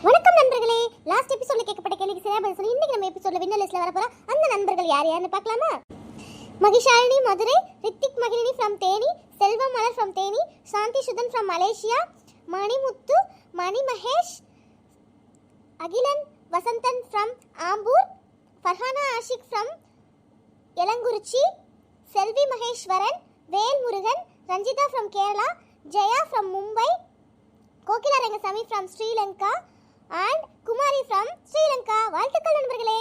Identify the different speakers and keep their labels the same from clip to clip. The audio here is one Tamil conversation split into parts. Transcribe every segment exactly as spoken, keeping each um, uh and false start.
Speaker 1: வணக்கம் நண்பர்களே. லாஸ்ட் எபிசோட்ல கேட்கப்பட்ட கேள்விக்கு சரியா பதில் சொல்லி இன்னைக்கு நம்ம எபிசோட்ல வின்னர் லிஸ்ட்ல வர போற அந்த நண்பர்கள் யார் யாருன்னு பார்க்கலாமா? Mahishalini Madurai, Ritik Magizhini from Theni, Selvam Malar from Theni, Shanthi Suthan from Malaysia, Manimuthu, Mani Mahesh, Akilan Vasanthan from Ambur, Farhana Ashik from Elangurichi, Selvi Maheswaran, Velmurugan, Ranjitha from Kerala, Jaya from Mumbai, Kokila Rangasamy from Sri Lanka and Kumari from Sri Lanka. வாழ்த்துக்கள் நண்பர்களே.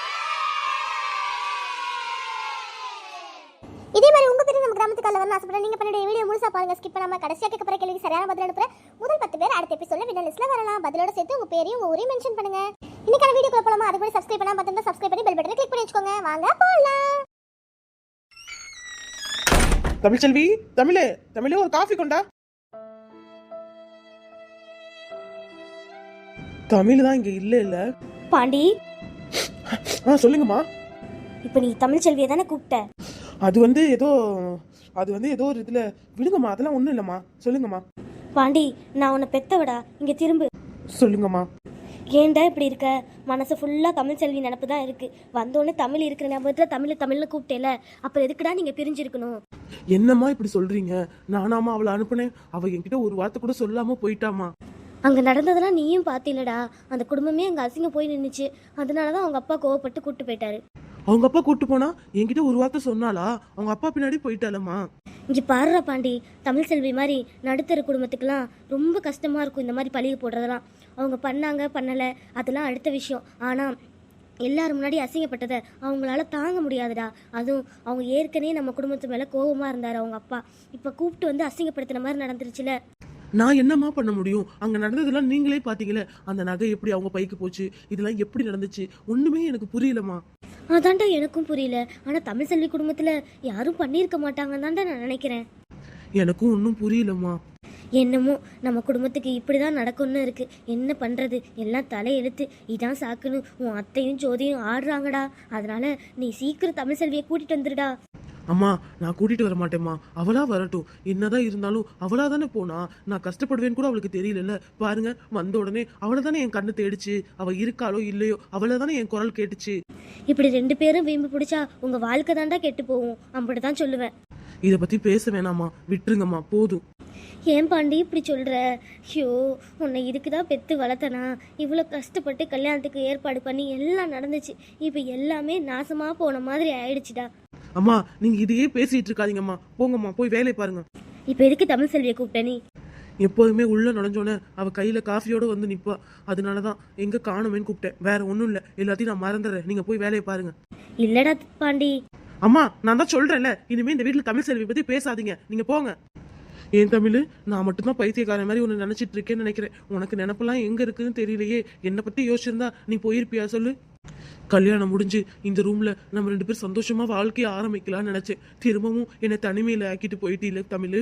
Speaker 1: இதே மாதிரி உங்க பேரு நம்ம கிராமத்துக்கு வரணும் ஆசைப்பட நீங்க பண்ண வீடியோ முழுசா பாருங்க, ஸ்கிப் பண்ணாம கடைசியா கேட்க போற கேள்விக்கு சரியான பதில் அனுப்புற முதல் பத்து பேர் அடுத்த எபிசோட்ல வின்னர் லிஸ்ட்ல வரலாம். பதிலோட சேர்த்து உங்க பேரையும் உங்க ஊரையும் மென்ஷன் பண்ணுங்க. இன்னைக்கான வீடியோக்குள்ள போலாமா? அதுக்கு முன்னாடி சப்ஸ்கிரைப் பண்ணாம பார்த்தா சப்ஸ்கிரைப் பண்ணி பெல் பட்டனை கிளிக் பண்ணி வச்சுக்கோங்க. வாங்க போலாம்.
Speaker 2: தமிழ்ச்செல்வி, தமிழே தமிழே ஒரு காஃபி கொண்டா. தமிழ் தான் இங்க இல்ல இல்ல
Speaker 3: பாண்டி.
Speaker 2: ஆ சொல்லுங்கம்மா.
Speaker 3: இப்போ நீ தமிழ் செல்வியை தானே கூப்பிட்ட?
Speaker 2: அது வந்து ஏதோ அது வந்து ஏதோ ஒரு இதுல விடுங்கம்மா, அதெல்லாம் ஒண்ணும் இல்லம்மா. சொல்லுங்கம்மா.
Speaker 3: பாண்டி, நான் உன்னை பெத்தவடா, இங்க திரும்பு.
Speaker 2: சொல்லுங்கம்மா.
Speaker 3: ஏன்டா இப்படி இருக்க? மனசு ஃபுல்லா தமிழ் செல்வி நினப்பு தான் இருக்கு. வந்தோடனே தமிழ் இருக்கிற ஞாபகத்துல தமிழ் தமிழ்னு கூப்பிட்டேல, அப்புறம் எதுக்குடா நீங்க பிரிஞ்சிருக்கணும்?
Speaker 2: என்னம்மா இப்படி சொல்றீங்க? நானாமா அவளை அனுப்புனேன், அவ என்கிட்ட ஒரு வார்த்தை கூட சொல்லாம போயிட்டாமா.
Speaker 3: அங்கே நடந்ததெல்லாம் நீயும் பார்த்தில்லடா. அந்த குடும்பமே அங்கே அசிங்க போய் நின்றுச்சு. அதனால தான் அவங்க அப்பா கோவப்பட்டு கூப்பிட்டு போயிட்டாரு.
Speaker 2: அவங்க அப்பா கூட்டு போனா என்கிட்ட ஒரு வார்த்தை சொன்னாலா? அவங்க அப்பா பின்னாடி போயிட்டாலம்மா.
Speaker 3: இங்கே பாருடா பாண்டி, தமிழ் செல்வி மாதிரி நடுத்தர குடும்பத்துக்கெல்லாம் ரொம்ப கஷ்டமாக இருக்கும் இந்த மாதிரி பழிய போடுறதெல்லாம். அவங்க பண்ணாங்க பண்ணலை அதெல்லாம் அடுத்த விஷயம். ஆனால் எல்லாரும் முன்னாடி அசிங்கப்பட்டதை அவங்களால தாங்க முடியாதுடா. அதுவும் அவங்க ஏற்கனவே நம்ம குடும்பத்து மேலே கோபமாக இருந்தார் அவங்க அப்பா. இப்போ கூப்பிட்டு வந்து அசிங்கப்படுத்தின மாதிரி நடந்துருச்சுல.
Speaker 2: நான் என்னம்மா பண்ண முடியும்? அங்க நடந்ததெல்லாம் நீங்களே பாத்தீங்களே. அந்த நகை எப்படி அவங்க பைக்கு போச்சு, இதெல்லாம் எப்படி நடந்துச்சு, ஒண்ணுமே எனக்கு புரியலம்மா.
Speaker 3: அதான்டா எனக்கும் புரியல. ஆனா தமிழ் செல்வி குடும்பத்துல யாரும் பண்ணியிருக்க மாட்டாங்கன்னு தான்டா நான் நினைக்கிறேன்.
Speaker 2: எனக்கும் ஒன்றும் புரியலம்மா.
Speaker 3: என்னமோ நம்ம குடும்பத்துக்கு இப்படிதான் நடக்கும்னு இருக்கு. என்ன பண்றது? எல்லாம் தலையெழுத்து. இதான் சாக்குன்னு உன் அத்தையும் ஜோதியும் ஆடுறாங்கடா. அதனால நீ சீக்கிரம் தமிழ் செல்வியை கூட்டிட்டு வந்துடுடா.
Speaker 2: அம்மா, நான் கூட்டிட்டு வர மாட்டேம்மா. அவளா வரட்டும். என்னதான் இருந்தாலும் அவளா தானே போனா. நான் கஷ்டப்படுவேன்னு கூட அவளுக்கு தெரியல. பாருங்க, வந்த உடனே அவளை தானே என் கண்ணு தேடிச்சு. அவ இருக்காளோ இல்லையோ அவளை தானே என் குரல் கேட்டுச்சு.
Speaker 3: இப்படி ரெண்டு பேரும் வீம்பு பிடிச்சா உங்க வாழ்க்கை தாண்டா கெட்டு போகும். அப்படிதான் சொல்லுவேன்.
Speaker 2: இத பத்தி பேச வேணாமா, விட்டுருங்கம்மா, போதும்.
Speaker 3: ஏன் பாண்டி இப்படி சொல்ற? ஐயோ, உன்னை இதுக்குதான் பெத்து வளர்த்தனா? இவ்வளோ கஷ்டப்பட்டு கல்யாணத்துக்கு ஏற்பாடு பண்ணி எல்லாம் நடந்துச்சு. இப்போ எல்லாமே நாசமா போன மாதிரி ஆயிடுச்சுடா.
Speaker 2: அம்மா, நீங்க இதையே பேசிட்டு இருக்காதீங்கம்மா. போங்கம்மா, போய் வேலையை பாருங்க.
Speaker 3: இப்போ எதுக்கு தமிழ் செல்வியை கூப்பிட்ட நீ?
Speaker 2: எப்போதுமே உள்ள நுழைஞ்சோன்னே அவ கையில காஃபியோட வந்து நிப்பா. அதனாலதான் எங்க காணுமேன்னு கூப்பிட்டேன். வேற ஒண்ணும் இல்ல. எல்லாத்தையும் நான் மறந்துடுறேன். நீங்க போய் வேலையை பாருங்க.
Speaker 3: இல்லடா பாண்டி.
Speaker 2: அம்மா, நான் தான் சொல்றேன்ல, இனிமே இந்த வீட்டுல தமிழ் செல்வி பத்தி பேசாதீங்க. நீங்க போங்க. ஏன் தமிழ், நான் மட்டும்தான் பைத்தியக்காரன் மாதிரி ஒன்று நினைச்சிட்டு இருக்கேன்னு நினைக்கிறேன். உனக்கு நினப்பெல்லாம் எங்க இருக்குன்னு தெரியலையே. என்னை பத்தி யோசிச்சிருந்தா நீ போயிருப்பியா சொல்லு? கல்யாணம் முடிஞ்சு இந்த ரூம்ல நம்ம ரெண்டு பேரும் சந்தோஷமா வாழ்க்கைய ஆரம்பிக்கலாம்னு நினைச்சேன். திரும்பவும் என்னை தனிமையில ஆக்கிட்டு போயிட்டு இல்ல தமிழ்.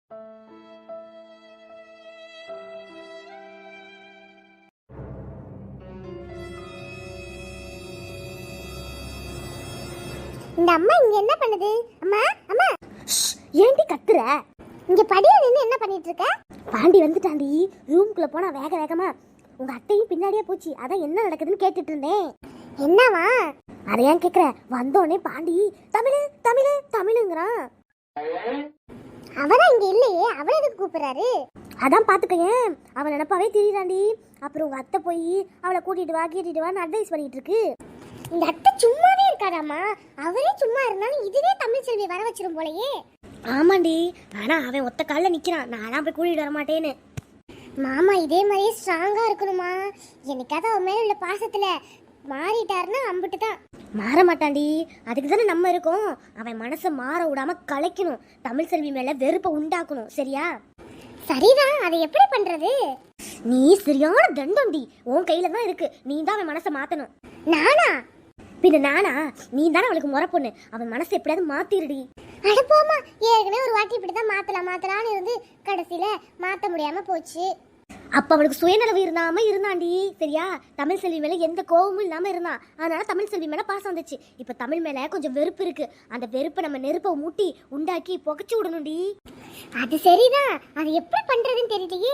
Speaker 1: இந்த அம்மா இங்க என்ன பண்ணுது? அம்மா அம்மா,
Speaker 3: ஏன்டி கத்துற?
Speaker 1: இங்க படியில நின்னு என்ன பண்ணிட்டு இருக்க?
Speaker 3: பாண்டி வந்துட்டாண்டி. ரூம்குள்ள போனா வேக வேகமா உங்க அத்தையும் பின்னாடியே போச்சு. அதான் என்ன நடக்குதுன்னு கேட்டுட்டு இருந்தேன்.
Speaker 1: என்னவா?
Speaker 3: அதை ஏன் கேக்குற? வந்தோடனே பாண்டி தமிழ் தமிழ் தமிழுங்கிறான்.
Speaker 1: அவதான் இங்க இல்லையே, அவளை எதுக்கு கூப்பிடுறாரு?
Speaker 3: அதான் பாத்துக்கேன், அவன் நினப்பாவே திரியிறாண்டி. அப்புறம் உங்க அத்தை போய் அவளை கூட்டிட்டு வா கூட்டிட்டு வான்னு அட்வைஸ் பண்ணிட்டு இருக்கு.
Speaker 1: இந்த அத்தை சும்மாவே இருக்காராமா. அவரே சும்மா இருந்தாலும் இதுவே தமிழ் செல்வி வர வச்சிரும் போலயே.
Speaker 3: ஆமாண்டி, ஆனா அவன் ஒத்த காலில் நிக்கிறான். நானா போய் கூட்டிட்டு வர மாட்டேன்னு.
Speaker 1: மாமா இதே மாதிரியே ஸ்ட்ராங்கா இருக்கணுமா. என்னைக்காவது அவன் மேல உள்ள பாசத்துல மாறிட்டாருன்னா அம்பிட்டு தான்.
Speaker 3: மாற மாட்டாண்டி, அதுக்கு தானே நம்ம இருக்கோம். அவன் மனசை மாற விடாம கலைக்கணும். தமிழ் செல்வி மேல வெறுப்பை உண்டாக்கணும். சரியா?
Speaker 1: சரிதான், அதை எப்படி பண்றது?
Speaker 3: நீ சரியான தண்டோண்டி. உன் கையில தான் இருக்கு. நீ தான் அவன் மனசை மாத்தணும்.
Speaker 1: நானா?
Speaker 3: பின்ன நானா? நீ தானே அவளுக்கு முறை பொண்ணு. அவன் மனசை எப்படியாவது மாத்திருடி.
Speaker 1: அட போமா, ஏற்கனவே ஒரு வாட்டி இப்படிதான் மாத்தலாம் மாத்தலான்னு இருந்து கடைசியில மாத்த முடியாம போச்சு.
Speaker 3: அப்ப அவளுக்கு சுயநலவு இருந்தாம இருந்தாண்டி. சரியா? தமிழ் செல்வி மேல எந்த கோபமும் இல்லாம இருந்தான். அதனால தமிழ் செல்வி மேல பாசம் வந்துச்சு. இப்ப தமிழ் மேல கொஞ்சம் வெறுப்பு இருக்கு. அந்த வெறுப்பை நம்ம நெருப்பை மூட்டி உண்டாக்கி புகைச்சு விடணும்டி.
Speaker 1: அது சரிதான், அது எப்படி பண்றதுன்னு தெரியலையே.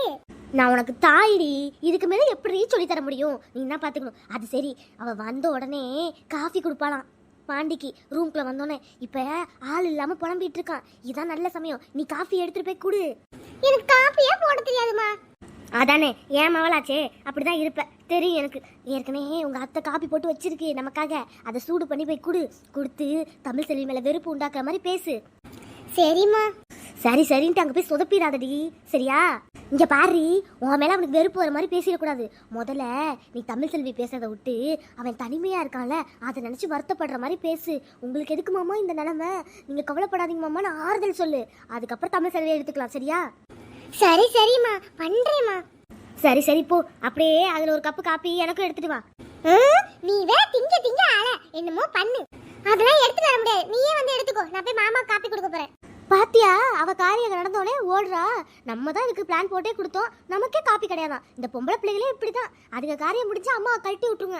Speaker 3: நான் உனக்கு தாயிடி, இதுக்கு மேலே எப்படி சொல்லி தர முடியும்? நீ என்ன பார்த்துக்கணும். அது சரி, அவள் வந்த உடனே காஃபி கொடுப்பாளாம் பாண்டிக்கு. ரூம்குள்ளே வந்தோடனே இப்போ ஆள் இல்லாமல் புலம்பிட்டு இருக்கான். இதான் நல்ல சமயம், நீ காஃபி எடுத்துகிட்டு போய் கொடு.
Speaker 1: எனக்கு காப்பியே போட தெரியாதுமா.
Speaker 3: அதானே ஏன் மவளாச்சே, அப்படிதான் இருப்ப தெரியும் எனக்கு. ஏற்கனவே உங்கள் அத்தை காப்பி போட்டு வச்சிருக்கு நமக்காக, அதை சூடு பண்ணி போய் கொடு. கொடுத்து தமிழ் செல்வி மேலே வெறுப்பு உண்டாக்குற மாதிரி பேசு.
Speaker 1: சரிம்மா.
Speaker 3: சரி சரின்ட்டு அங்கே போய் சொதப்பிடாதடி, சரியா? இங்கே பாரு, உன் மேலே அவனுக்கு வெறுப்பு வர மாதிரி பேசிடக்கூடாது. முதல்ல நீ தமிழ் செல்வி பேசுறதை விட்டு அவன் தனிமையாக இருக்கான்ல அதை நினச்சி வருத்தப்படுற மாதிரி பேசு. உங்களுக்கு எதுக்கு மாமா இந்த நிலமை, நீங்கள் கவலைப்படாதீங்க மாமான்னு ஆறுதல் சொல்லு. அதுக்கப்புறம் தமிழ் செல்வியை எடுத்துக்கலாம், சரியா?
Speaker 1: சரி சரிம்மா, பண்றேம்மா.
Speaker 3: சரி சரி போ, அப்படியே அதில் ஒரு கப்பு காப்பி எனக்கும் எடுத்துட்டு வா.
Speaker 1: நீ வேற திங்க திங்க ஆள என்னமோ பண்ணு. அதெல்லாம் எடுத்துட்டு வர முடியாது, நீயே வந்து எடுத்துக்கோ. நான் போய் மாமா காப்பி கொடுக்க போறேன்.
Speaker 3: பாத்தியா, அவ காரியம் நடந்தோடனே ஓடுறா. நம்ம தான் இதுக்கு பிளான் போட்டே கொடுத்தோம், நமக்கே காப்பி கிடையாதான். இந்த பொம்பளை பிள்ளைகளே இப்படிதான், அதுக்கு காரியம் முடிச்சு அம்மா கழட்டி விட்டுருங்க.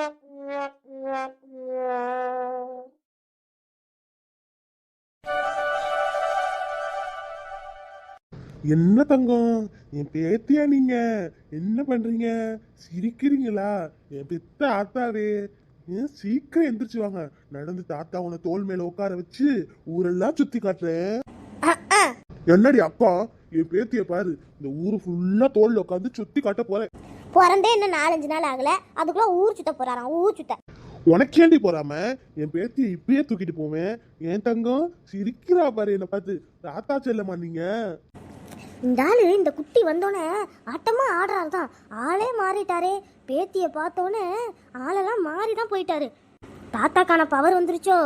Speaker 2: என்ன தங்கம், என் பேத்தியா நீங்க? என்ன பண்றீங்க? சிரிக்கிறீங்களா? என் பெத்த ஆத்தாவே, ஏன் சீக்கிரம் எந்திரிச்சு வாங்க. நடந்து தாத்தா உன தோல் மேல உட்கார வச்சு ஊரெல்லாம் சுத்தி காட்டுறேன். என்னடி அப்பா, என் பேத்திய பாரு, இந்த ஊரு ஃபுல்லா தோல்ல உட்காந்து சுத்தி காட்ட போறேன்.
Speaker 3: பிறந்தே என்ன நாலஞ்சு நாள் ஆகல, அதுக்குள்ள ஊர் சுத்த போறாராம். ஊர் சுத்த
Speaker 2: உனக்கேண்டி போறாம என் பேத்திய இப்பயே தூக்கிட்டு போவேன். என் தங்கம் சிரிக்கிறா பாரு என்ன பார்த்து. தாத்தா செல்லமா நீங்க?
Speaker 3: இந்த ஆளு இந்த குட்டி வந்தோடனே ஆட்டமா ஆடுறாரு தான், ஆளே மாறிட்டாரே. பேத்திய பார்த்தோன்னே ஆளெல்லாம் மாறி தான் போயிட்டாரு. தாத்தாக்கான பவர் வந்துருச்சோ.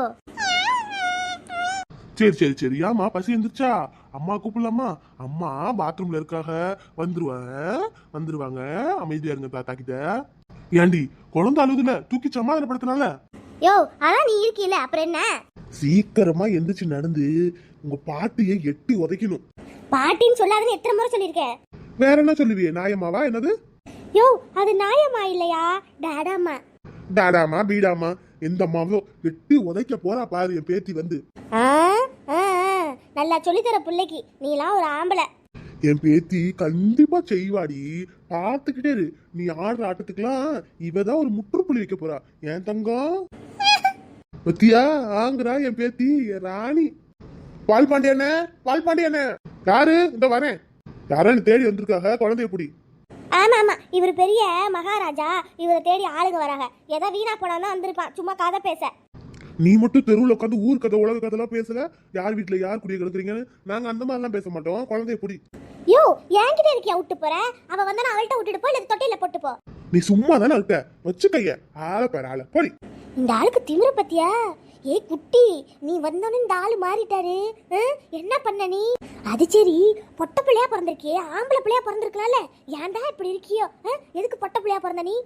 Speaker 2: சரி சரி சரி, ஆமா பசி எந்திரிச்சா? அம்மா கூப்பிடலாமா? அம்மா பாத்ரூம்ல இருக்காக, வந்துருவாங்க வந்துருவாங்க. அமைதியா இருங்க தாத்தா கிட்ட. ஏண்டி குழந்தை அழுதுல, தூக்கி சமாதானப்படுத்தினால?
Speaker 3: யோ அதான் நீ இருக்கீல, அப்புறம் என்ன?
Speaker 2: சீக்கிரமா எந்திரிச்சு நடந்து உங்க பாட்டியை எட்டி உதைக்கணும்.
Speaker 3: பாட்டின்னு சொல்லாதுன்னு எத்தனை முறை சொல்லியிருக்கேன்.
Speaker 2: வேற என்ன சொல்லுவியே? நாயம்மாவா என்னது?
Speaker 3: யோ அது நாயம்மா இல்லையா, டாடாம்மா.
Speaker 2: டாடாமா பீடாமா எந்த அம்மாவோ எட்டி உதைக்க போறா பாரு என் பேத்தி வந்து.
Speaker 3: ஆ, ஆ, ஆ, நல்லா சொல்லித்தர பிள்ளைக்கு நீலாம் ஒரு ஆம்பளை.
Speaker 2: என் பேத்தி கண்டிப்பா செய்வாடி, பார்த்துக்கிட்டே இரு. நீ ஆடுற ஆட்டத்துக்குலாம் இவதான் ஒரு முற்றுப்புள்ளி வைக்க போறா என் தங்கம். பத்தியா ஆங்குறா என் பேத்தி, என் ராணி. பால் பாண்டியண்ணே, பால் பாண்டியண்ணே. யாரு? இந்த வரேன். யாரான்னு தேடி வந்திருக்காக, குழந்தைய புடி.
Speaker 3: ஆமா ஆமா, இவர் பெரிய மகாராஜா, இவரை தேடி ஆளுங்க வராங்க. ஏதோ வீணா போனா வந்திருப்பான், சும்மா கதை பேச.
Speaker 2: நீ மட்டும் தெருவில் உட்காந்து ஊர் கதை உலக கதைலாம் பேசுற. யார் வீட்டுல யார் குடிய கிடக்குறீங்கன்னு நாங்க அந்த மாதிரிலாம் பேச மாட்டோம். குழந்தைய புடி.
Speaker 3: யோ என்கிட்ட இருக்கியா விட்டு போற? அவ வந்தா அவள்கிட்ட விட்டுட்டு போ, இல்ல தொட்டில போட்டு போ.
Speaker 2: நீ சும்மா தானே இருக்க, வச்சு கைய ஆள பேர ஆள போடி.
Speaker 3: இந்த ஆளுக்கு திமிர பத்தியா? ஏ குட்டி, நீ வந்தோன்னு இந்த ஆளு மாறிட்டாரு. என்ன பண்ண நீ? அது சரி, பொட்ட பிள்ளையா பிறந்திருக்கியே, ஆம்பளை பிள்ளையா பிறந்திருக்கலாம்ல, ஏன்டா இப்படி இருக்கியோ? எதுக்கு பொட்ட பிள்ளையா பிறந்த நீ?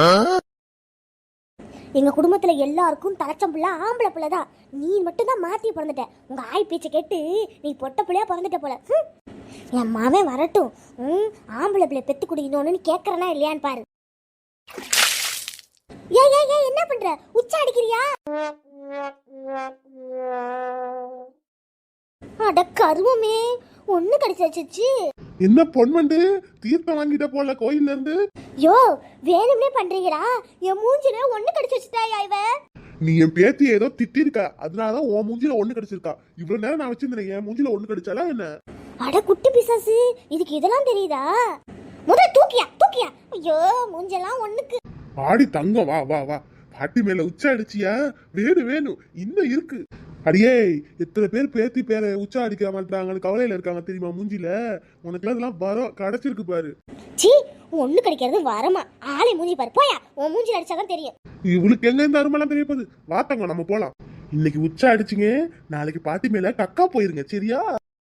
Speaker 3: எங்க குடும்பத்துல எல்லாருக்கும் தலைச்சம் பிள்ளை ஆம்பளை பிள்ளை தான். நீ மட்டும் தான் மாத்தி பிறந்துட்ட. உங்க ஆய் பேச்சை கேட்டு நீ பொட்ட பிள்ளையா பிறந்துட்ட போல. என் மாவன் வரட்டும், ம் ஆம்பளை பிள்ளை பெத்து குடிக்கணும்னு கேக்குறனா இல்லையான்னு பாரு. ஏ ஏ ஏ என்ன பண்ற? உச்சா அடிக்கிறியா? அட கருமமே, ஒண்ணு கடிச்சாச்சு.
Speaker 2: என்ன பொன்வண்டு தீர்த்தம் வாங்கிட்ட போல கோயில்ல இருந்து?
Speaker 3: யோ வேணும்னே பண்றீங்களா? என் மூஞ்சில ஒண்ணு கடிச்சு வச்சுட்டாயா இவ?
Speaker 2: நீ என் பேத்தி ஏதோ திட்டி இருக்க, அதனாலதான் உன் மூஞ்சில ஒண்ணு கடிச்சிருக்கா. இவ்வளவு நேரம் நான் வச்சிருந்தேன், என் மூஞ்சில ஒண்ணு கடிச்சாலா என்ன?
Speaker 3: அட குட்டி பிசாசு, இதுக்கு இதெல்லாம் தெரியுதா? முதல்ல தூக்கியா தூக்கியா. ஐயோ மூஞ்செல்லாம் ஒண்ணுக்கு.
Speaker 2: ஆடி தங்கம், வா வா வா. பாட்டி மேல உச்சா அடிச்சியா? வேணும் வேணும், இன்னும் இருக்கு. அடியே, எத்தனை பேர் பேத்தி பேரை உச்சா அடிக்க மாட்டாங்கன்னு கவலையில இருக்காங்க தெரியுமா மூஞ்சில? உனக்குலாம் இதெல்லாம் வரம் கிடைச்சிருக்கு பாரு.
Speaker 3: சீ, ஒண்ணு கிடைக்கிறது வரமா? ஆளை மூஞ்சி பாரு, போயா. உன் மூஞ்சில அடிச்சாதான் தெரியும்.
Speaker 2: இவளுக்கு எங்க இந்த அருமெல்லாம் தெரிய போகுது. வாத்தங்க நம்ம போலாம். இன்னைக்கு உச்சா அடிச்சிங்க, நாளைக்கு பாட்டி மேல கக்கா போயிருங்க, சரியா?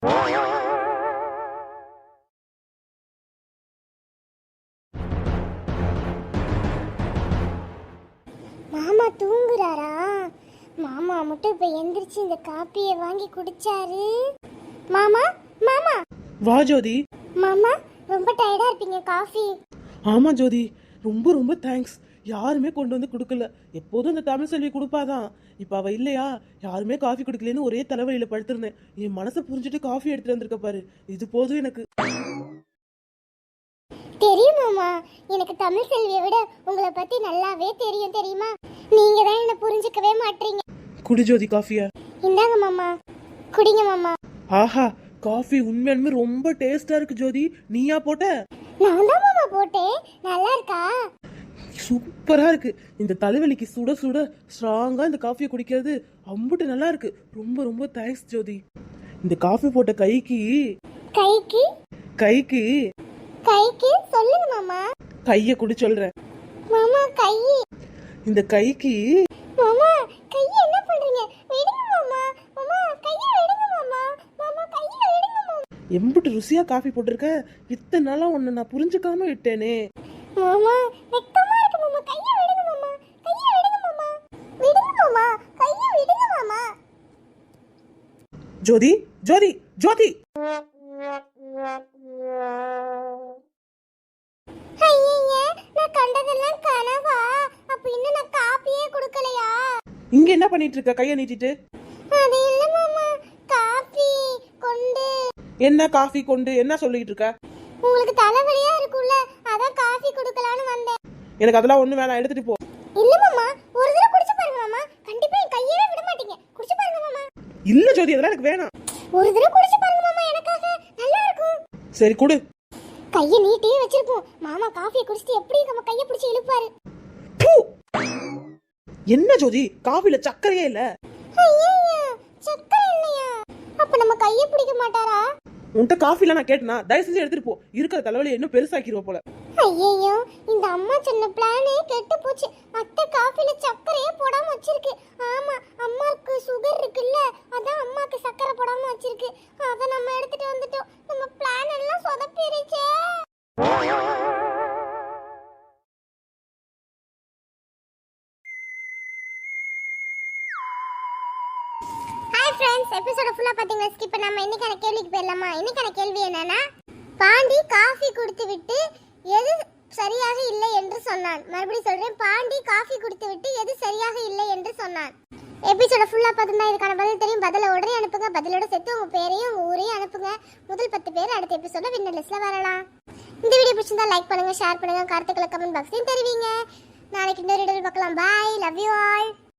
Speaker 1: மாமா தூங்குறாரா? மாமா மட்டும் இப்ப எந்திரிச்சு இந்த காப்பியை வாங்கி குடிச்சாரு. மாமா மாமா
Speaker 2: வா ஜோதி.
Speaker 1: மாமா ரொம்ப டயர்டா இருப்பீங்க, காஃபி.
Speaker 2: ஆமா ஜோதி, ரொம்ப ரொம்ப தேங்க்ஸ். யாருமே கொண்டு வந்து கொடுக்கல. எப்போதும் இந்த தமிழ் செல்வி கொடுப்பாதான். இப்ப அவ இல்லையா, யாருமே காஃபி குடிக்கலன்னு ஒரே தலைவலியில படுத்திருந்தேன். என் மனசை புரிஞ்சுட்டு காஃபி எடுத்துட்டு வந்திருக்க பாரு, இது போதும் எனக்கு.
Speaker 1: தெரியும் மாமா, எனக்கு தமிழ் செல்வியை விட உங்களை பத்தி நல்லாவே தெரியும் தெரியுமா? நீங்க தான் என்ன புரிஞ்சுக்கவே மாட்டீங்க.
Speaker 2: குடி ஜோதி காஃபியா.
Speaker 1: இந்தாங்க மாமா, குடிங்க மாமா.
Speaker 2: ஆஹா, காஃபி உண்மையாலுமே ரொம்ப டேஸ்டா இருக்கு ஜோதி. நீயா போட்ட?
Speaker 1: நான் தான் மாமா போட்டேன். நல்லா இருக்கா?
Speaker 2: சூப்பரா இருக்கு. இந்த தலைவலிக்கு சுட சுட ஸ்ட்ராங்கா இந்த காஃபியை குடிக்கிறது அம்புட்டு நல்லா இருக்கு. ரொம்ப ரொம்ப தேங்க்ஸ் ஜோதி. இந்த காஃபி போட்ட கைக்கு
Speaker 1: கைக்கு
Speaker 2: கைக்கு
Speaker 1: கைக்கு சொல்லுங்க மாமா.
Speaker 2: கைய குடி சொல்றேன்
Speaker 1: மாமா. கை
Speaker 2: இந்த கைக்கு.
Speaker 1: மாமா கையை என்ன பண்றீங்க? விடுங்க மாமா. மாமா கையை விடுங்க மாமா. மாமா கையை விடுங்க மாமா.
Speaker 2: எம்புட்டு ருசியா காஃபி போட்டிருக்க. இத்தனை நாளா உன்னை நான் புரிஞ்சுக்காம விட்டேனே.
Speaker 1: மாமா வெக்கமா இருக்கு மாமா. கையை விடுங்க மாமா. கையை விடுங்க மாமா. விடுங்க மாமா. கையை விடுங்க மாமா.
Speaker 2: ஜோதி ஜோதி ஜோதி.
Speaker 1: ஐயையே, நான் கண்டதெல்லாம் கனவா? அப்ப இன்னும் நான் காப்பியே கொடுக்கலையா?
Speaker 2: இங்க என்ன பண்ணிட்டு இருக்க கைய நீட்டிட்டு?
Speaker 1: அது இல்ல மாமா, காப்பி கொண்டு.
Speaker 2: என்ன காஃபி கொண்டு என்ன சொல்லிட்டு இருக்க?
Speaker 1: உங்களுக்கு தலைவலியா இருக்குல்ல, அதான் காஃபி கொடுக்கலான்னு வந்தேன்.
Speaker 2: எனக்கு அதெல்லாம் ஒண்ணு வேணாம், எடுத்துட்டு போ.
Speaker 1: இல்ல மாமா, ஒரு தடவை குடிச்சு பாருங்க மாமா. கண்டிப்பா என் கையவே விட மாட்டீங்க. குடிச்சு பாருங்க மாமா.
Speaker 2: இல்ல ஜோதி, அதெல்லாம் எனக்கு வேணாம்.
Speaker 1: ஒரு தடவை குடிச்சு பாருங்க மாமா, எனக்காக நல்லா இருக்கும்.
Speaker 2: சரி குடு.
Speaker 1: கையை நீட்டியே வச்சிருப்போம். மாமா காஃபியை குடிச்சிட்டு எப்படி நம்ம கையை பிடிச்சி இழுப்பாரு.
Speaker 2: பூ. என்ன ஜோதி, காஃபில சக்கரையே இல்ல.
Speaker 1: ஐயையா, சக்கரை இல்லையா? அப்ப நம்ம கையை பிடிக்க மாட்டாரா?
Speaker 2: உன்கிட்ட காஃபில நான் கேட்டனா? தயவு செஞ்சு எடுத்துட்டு போ. இருக்கிற தலைவலி இன்னும் பெருசாக்கிடுவ போல.
Speaker 1: ஐயையோ, இந்த அம்மா சொன்ன பிளானே கெட்டு போச்சு. அத்தை காஃபில சக்கரையே போடாம வச்சிருக்கு. ஆமா, அம்மாவுக்கு சுகர் இருக்குல்ல, அதான் அம்மாக்கு சக்கரை போடாம வச்சிருக்கு. அத நம்ம எடுத்துட்டு வந்துட்டோம். நம்ம பிளான் எல்லாம் சொதப்பிருச்சே. ஹாய் ஃப்ரெண்ட்ஸ், எபிசோட ஃபுல்லா பாத்தீங்களா? ஸ்கிப் பண்ணாம இன்னைக்கான கேள்விக்கு போயிடலாமா? இன்னைக்கான கேள்வி என்னன்னா, பாண்டி காஃபி குடித்து விட்டு எது சரியாக இல்லை என்று சொன்னான். மறுபடியும் சொல்றேன், பாண்டி காஃபி குடித்து விட்டு எது சரியாக இல்லை என்று சொன்னான். எபிசோட ஃபுல்லா பார்த்தா இதுக்கான பதில் தெரியும். பதில உடனே அனுப்புங்க. பதிலோட சேர்த்து உங்க பேரையும் உங்க ஊரையும் அனுப்புங்க. முதல் பத்து பேர் அடுத்த எபிசோட வின்னர் லிஸ்ட்ல வரலாம். இந்த வீடியோ பிடிச்சிருந்தா லைக் பண்ணுங்க, ஷேர் பண்ணுங்க, கருத்துக்களை கமெண்ட் பாக்ஸ்லயும் தெரிவிங்க. நாளைக்கு இன்னொரு வீடியோவில் பார்க்கலாம். Bye, love you all.